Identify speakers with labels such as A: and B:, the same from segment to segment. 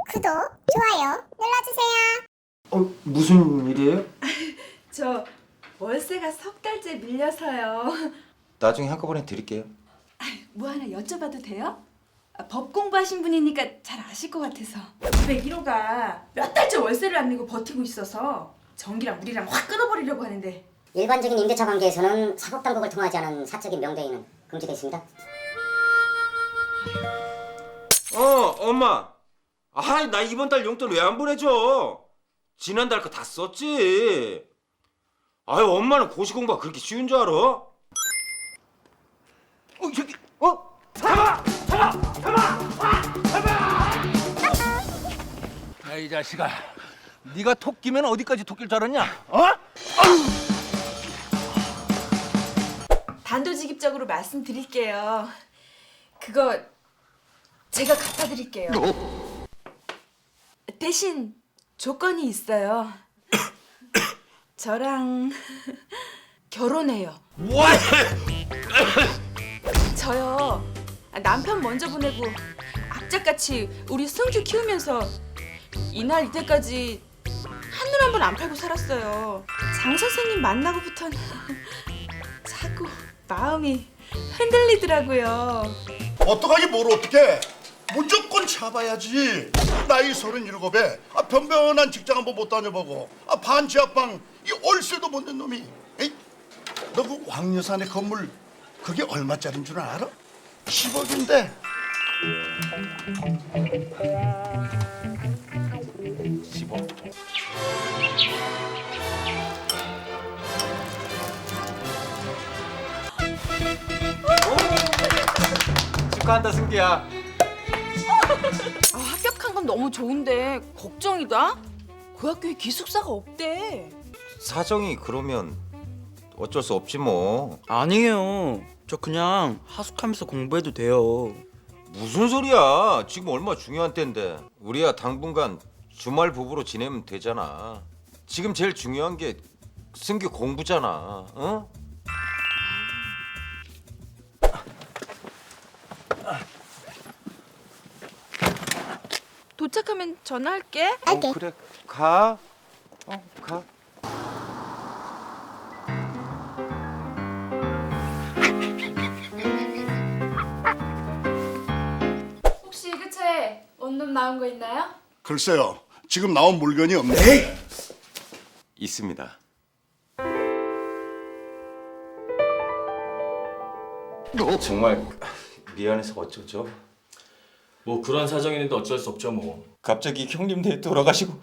A: 구독, 좋아요 눌러주세요.
B: 무슨 일이에요?
C: 저 월세가 석 달째 밀려서요.
B: 나중에 한꺼번에 드릴게요.
C: 뭐 하나 여쭤봐도 돼요? 법 공부하신 분이니까 잘 아실 것 같아서. 201호가 몇 달째 월세를 안 내고 버티고 있어서 전기랑 물이랑 확 끊어버리려고 하는데.
D: 일반적인 임대차 관계에서는 사법당국을 통하지 않은 사적인 명대인은 금지되어 있습니다.
B: 엄마. 나 이번 달 용돈 왜 안 보내줘? 지난달 거 다 썼지. 엄마는 고시공부가 그렇게 쉬운 줄 알아? 저기, 잡아!
E: 이 자식아, 네가 토끼면 어디까지 토끼일 줄 알았냐?
C: 단도직입적으로 말씀드릴게요. 그거 제가 갚아드릴게요. 대신 조건이 있어요. 저랑 결혼해요. 저요 남편 먼저 보내고 악착같이 우리 승규 키우면서 이날 이때까지 한눈 한 번 안 팔고 살았어요. 장 선생님 만나고부터는 자꾸 마음이 흔들리더라고요.
F: 어떡하기 뭘 어떡해. 무조건 잡아야지. 나이 37에 변변한 직장 한번 못 다녀보고 반지하방 이 월세도 못 낸 놈이. 너 그 왕여산의 건물 그게 얼마짜린 줄 알아? 10억인데.
E: 10억.
B: 축하한다, 승기야.
C: 합격한 건 너무 좋은데 걱정이다. 그 학교에 기숙사가 없대.
B: 사정이 그러면 어쩔 수 없지 뭐.
G: 아니에요. 저 그냥 하숙하면서 공부해도 돼요.
B: 무슨 소리야? 지금 얼마 중요한 때인데. 우리야 당분간 주말 부부로 지내면 되잖아. 지금 제일 중요한 게 승규 공부잖아. 어?
C: 도착하면 전화할게.
B: 그래, 가. 가.
H: 혹시 이그차에 원룸 나온 거 있나요?
F: 글쎄요. 지금 나온 물건이 없네.
B: 있습니다. 정말 미안해서 어쩌죠?
I: 뭐 그런 사정이 있는데 어쩔 수 없죠 뭐.
B: 갑자기 형님네 돌아가시고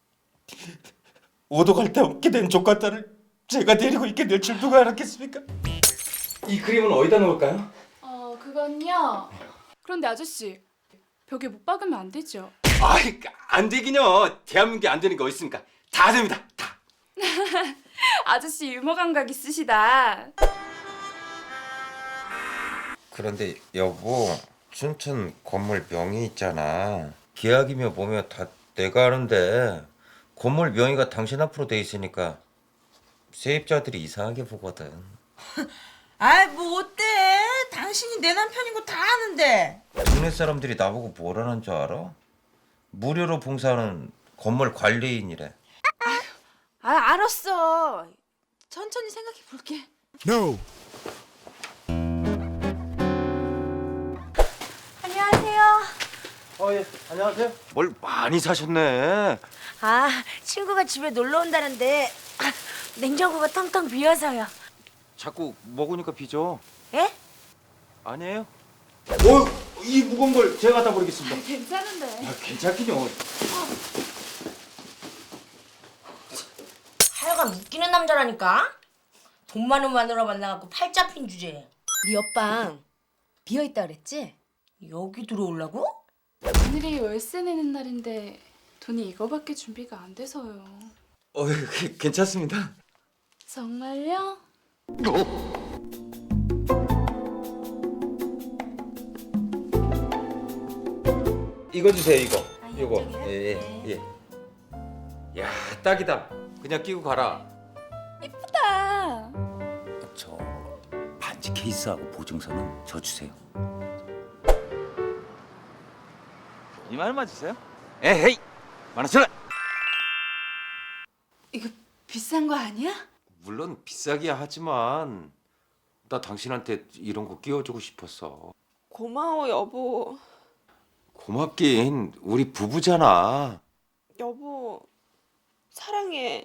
B: 오도 갈 데 없게 된 조카딸을 제가 데리고 있게 될 줄 누가 알았겠습니까? 이 그림은 어디다 놓을까요?
H: 그건요. 그런데 아저씨, 벽에 못 박으면 안 되죠?
B: 안 되긴요. 대한민국에 안 되는 게 어디 있습니까? 다 됩니다. 다.
H: 아저씨 유머 감각 있으시다.
B: 그런데 여보, 춘천 건물 명의 있잖아. 계약이며 뭐며 다 내가 하는데 건물 명의가 당신 앞으로 돼 있으니까 세입자들이 이상하게 보거든.
J: 뭐 어때? 당신이 내 남편인 거 다 아는데.
B: 동네 사람들이 나보고 뭐라는 줄 알아? 무료로 봉사하는 건물 관리인이래.
C: 알았어. 천천히 생각해 볼게.
D: 안녕하세요.
B: 예, 안녕하세요. 뭘 많이 사셨네.
D: 친구가 집에 놀러 온다는데 냉장고가 텅텅 비어서요.
B: 자꾸 먹으니까 비죠.
D: 예?
B: 아니에요? 이 무거운 걸 제가 갖다 버리겠습니다.
H: 괜찮은데.
B: 괜찮긴요.
D: 하여간 웃기는 남자라니까. 돈 많은 마누라 만나갖고 팔 잡힌 주제에.
K: 네 옆방 비어있다 그랬지?
D: 여기 들어오려고?
H: 오늘이 월세 내는 날인데 돈이 이거밖에 준비가 안 돼서요.
B: 괜찮습니다.
H: 정말요?
B: 이거 주세요, 이거. 이거. 예. 야, 딱이다. 그냥 끼고 가라.
H: 예쁘다.
E: 저 반지 케이스하고 보증서는 저 주세요.
G: 이 말 맞으세요?
E: 에헤이, 10,000원.
C: 이거 비싼 거 아니야?
B: 물론 비싸기야 하지만 나 당신한테 이런 거 끼워주고 싶었어.
L: 고마워 여보.
B: 고맙긴 우리 부부잖아.
L: 여보 사랑해.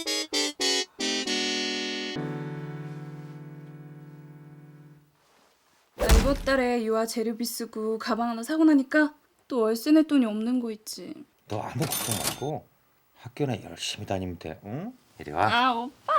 H: 나 이번 달에 유아 재료비 쓰고 가방 하나 사고 나니까 또 월세 낼 돈이 없는 거 있지.
B: 너 아무 걱정 말고 학교나 열심히 다니면 돼. 응? 이리 와.
H: 아 오빠.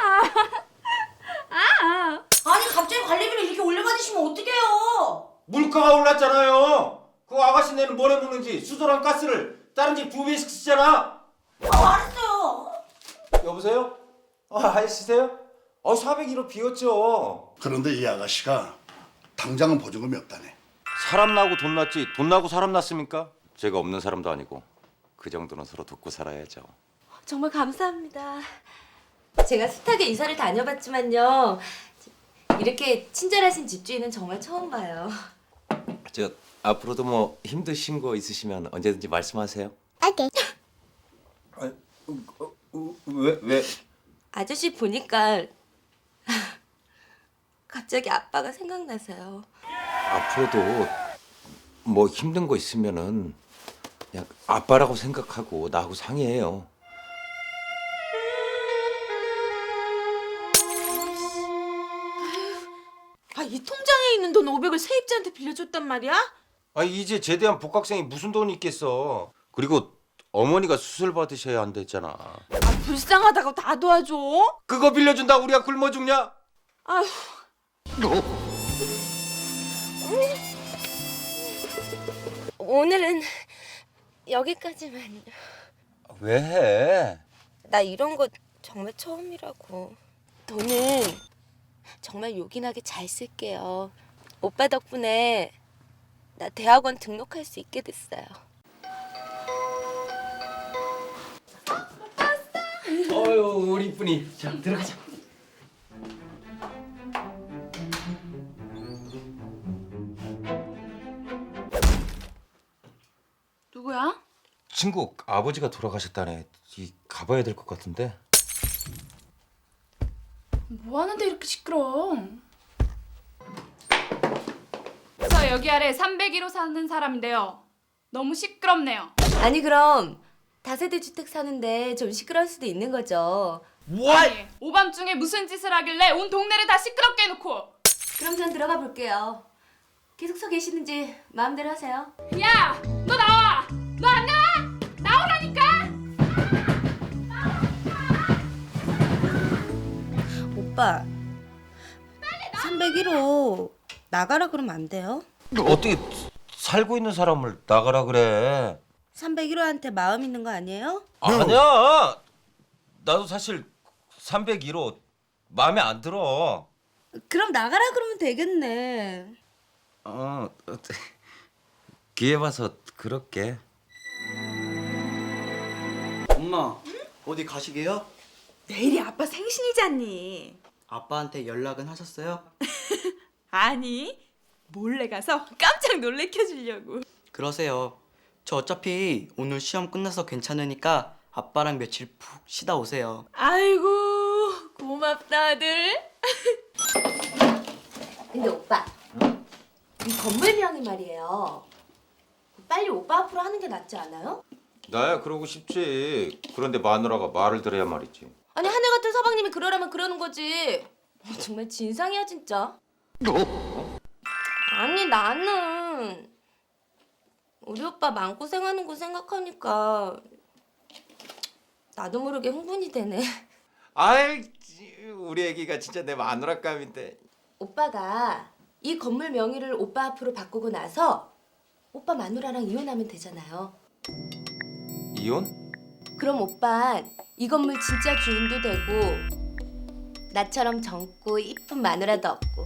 D: 아니 갑자기 관리비를 이렇게 올려받으시면 어떡해요?
B: 물가가 올랐잖아요. 그 아가씨네는 뭘 해먹는지 수도랑 가스를 다른 집 2배씩 쓰잖아.
D: 알았어요.
B: 여보세요? 아저씨세요? 401호 비었죠.
F: 그런데 이 아가씨가 당장은 보증금이 없다네.
B: 사람 나고 돈 났지 돈 나고 사람 났습니까? 제가 없는 사람도 아니고 그 정도는 서로 돕고 살아야죠.
K: 정말 감사합니다. 제가 숱하게 이사를 다녀봤지만요. 이렇게 친절하신 집주인은 정말 처음 봐요.
B: 저 앞으로도 뭐 힘드신 거 있으시면 언제든지 말씀하세요.
A: 오케이.
B: 왜?
K: 아저씨 보니까 갑자기 아빠가 생각나서요.
B: 앞으로도 뭐 힘든 거 있으면은 그냥 아빠라고 생각하고 나하고 상의해요.
J: 이 통장에 있는 돈 500을 세입자한테 빌려줬단 말이야?
B: 이제 제대한 복학생이 무슨 돈이 있겠어. 그리고 어머니가 수술 받으셔야 한댔잖아.
J: 불쌍하다고 다 도와줘?
B: 그거 빌려준다고 우리가 굶어 죽냐?
J: 아휴.
K: 오늘은 여기까지만.
B: 왜 해?
K: 나 이런 거 정말 처음이라고. 돈은 정말 요긴하게 잘 쓸게요. 오빠 덕분에 나 대학원 등록할 수 있게 됐어요.
B: 어유 우리 이쁜이. 자 들어가자.
H: 누구야?
B: 친구 아버지가 돌아가셨다네. 가봐야 될 것 같은데.
H: 뭐 하는데 이렇게 시끄러워? 저 여기 아래 301호 사는 사람인데요. 너무 시끄럽네요.
K: 아니 그럼 다세대 주택 사는데 좀 시끄러울 수도 있는 거죠.
H: 아니, 오밤중에 무슨 짓을 하길래 온 동네를 다 시끄럽게 해놓고.
K: 그럼 전 들어가 볼게요. 계속 서 계시는지 마음대로 하세요.
H: 야! 너 나와! 너 안 나와? 나오라니까!
D: 오빠 301호 나가라 그러면 안 돼요?
B: 어떻게 살고 있는 사람을 나가라 그래?
D: 301호한테 마음 있는 거 아니에요?
B: 아니야. 나도 사실 301호 마음에 안 들어.
D: 그럼 나가라 그러면 되겠네.
B: 기회 봐서 그럴게.
G: 엄마, 어디 가시게요?
J: 내일이 아빠 생신이잖니.
G: 아빠한테 연락은 하셨어요?
J: 아니 몰래 가서 깜짝 놀래켜 주려고.
G: 그러세요. 저 어차피 오늘 시험 끝나서 괜찮으니까 아빠랑 며칠 푹 쉬다 오세요.
J: 아이고 고맙다 아들.
K: 근데 오빠, 이 건물명이 말이에요. 빨리 오빠 앞으로 하는 게 낫지 않아요?
B: 나야 그러고 싶지. 그런데 마누라가 말을 들어야 말이지.
K: 아니 하늘 같은 서방님이 그러라면 그러는 거지. 정말 진상이야 진짜. 아니 나는 우리 오빠 마음고생하는 거 생각하니까 나도 모르게 흥분이 되네.
B: 아이, 우리 애기가 진짜 내 마누라감인데.
K: 오빠가 이 건물 명의를 오빠 앞으로 바꾸고 나서 오빠 마누라랑 이혼하면 되잖아요.
B: 이혼?
K: 그럼 오빤 이 건물 진짜 주인도 되고 나처럼 젊고 이쁜 마누라도 없고.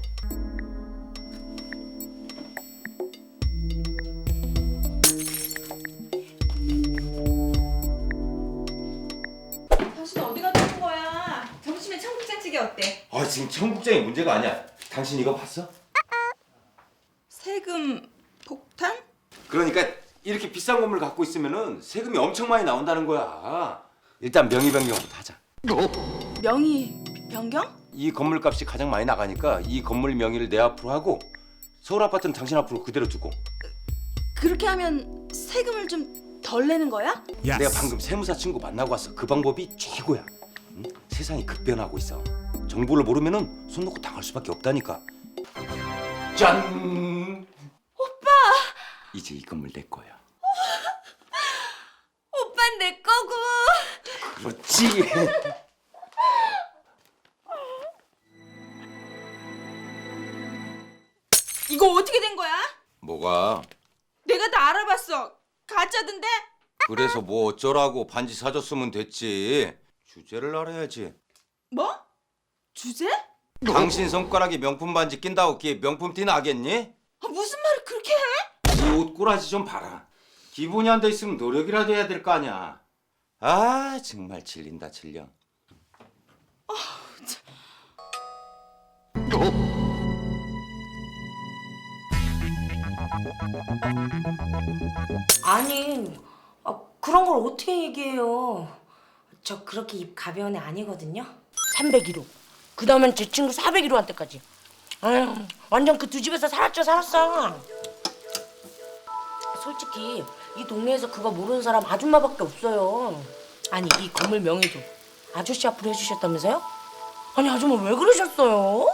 J: 당신 어디 갔다 온 거야? 점심에 청국장찌개 어때?
B: 지금 청국장이 문제가 아니야. 당신 이거 봤어?
J: 세금 폭탄?
B: 그러니까 이렇게 비싼 건물 갖고 있으면은 세금이 엄청 많이 나온다는 거야. 일단 명의 변경부터 하자.
C: 명의 변경?
B: 이 건물 값이 가장 많이 나가니까 이 건물 명의를 내 앞으로 하고 서울 아파트는 당신 앞으로 그대로 두고.
C: 그렇게 하면 세금을 좀 덜 내는 거야?
B: 내가 방금 세무사 친구 만나고 왔어. 그 방법이 최고야. 응? 세상이 급변하고 있어. 정보를 모르면은 손 놓고 당할 수밖에 없다니까. 짠!
C: 오빠!
B: 이제 이 건물 내 거야.
C: 오빠는 내 거고.
B: 그렇지.
J: 이거 어떻게 된 거야?
B: 뭐가?
J: 내가 다 알아봤어. 가짜던데?
B: 그래서 뭐 어쩌라고. 반지 사줬으면 됐지. 주제를 알아야지.
J: 뭐? 주제?
B: 당신 손가락에 명품 반지 낀다고 그게 명품 티 나겠니?
J: 무슨 말을 그렇게 해?
B: 이 옷꼬라지 좀 봐라. 기본이 안 돼 있으면 노력이라도 해야 될 거 아니야. 아 정말 질린다 질려.
D: 아니, 그런 걸 어떻게 얘기해요? 저 그렇게 입 가벼운 애 아니거든요. 301호. 그 다음엔 제 친구 401호한테까지. 아유, 완전 그 두 집에서 살았어. 솔직히 이 동네에서 그거 모르는 사람 아줌마밖에 없어요. 아니, 이 건물 명의도 아저씨 앞으로 해주셨다면서요? 아니, 아줌마 왜 그러셨어요?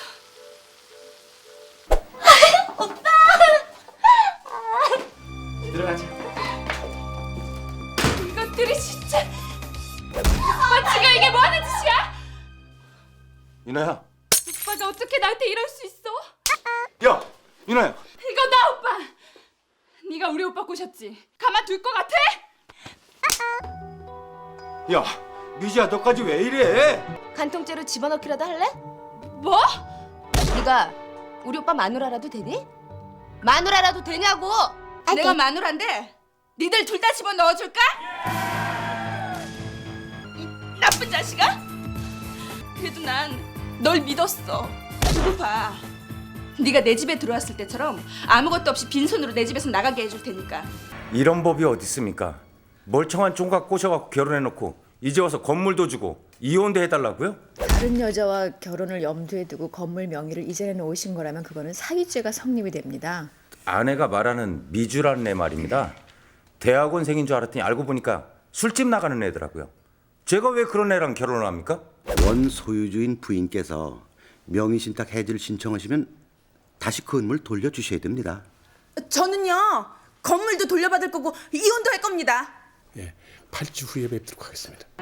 B: 들어가자.
C: 이것들이 진짜. 오빠 지금 이게 뭐 하는 짓이야?
B: 윤아야.
C: 오빠가 어떻게 나한테 이럴 수 있어?
B: 야 윤아야.
C: 이거 나 오빠. 네가 우리 오빠 꼬셨지? 가만둘 것 같아?
B: 야 미지야 너까지 왜 이래?
K: 간통죄로 집어넣기라도 할래?
C: 뭐?
K: 네가 우리 오빠 마누라라도 되니? 마누라라도 되냐고!
C: 내가 마누라인데 니들 둘 다 집어 넣어줄까? 이 나쁜 자식아? 그래도 난 널 믿었어. 두고 봐. 네가 내 집에 들어왔을 때처럼 아무것도 없이 빈손으로 내 집에서 나가게 해줄 테니까.
B: 이런 법이 어디 있습니까? 멀쩡한 총각 꼬셔갖고 결혼해놓고 이제 와서 건물도 주고 이혼도 해달라고요?
M: 다른 여자와 결혼을 염두에 두고 건물 명의를 이전해 놓으신 거라면 그거는 사기죄가 성립이 됩니다.
B: 아내가 말하는 미주라는 애 말입니다. 대학원생인 줄 알았더니 알고 보니까 술집 나가는 애더라고요. 제가 왜 그런 애랑 결혼을 합니까?
N: 원 소유주인 부인께서 명의신탁 해지를 신청하시면 다시 그 건물 돌려주셔야 됩니다.
J: 저는요 건물도 돌려받을 거고 이혼도 할 겁니다.
F: 예, 8주 후에 뵙도록 하겠습니다.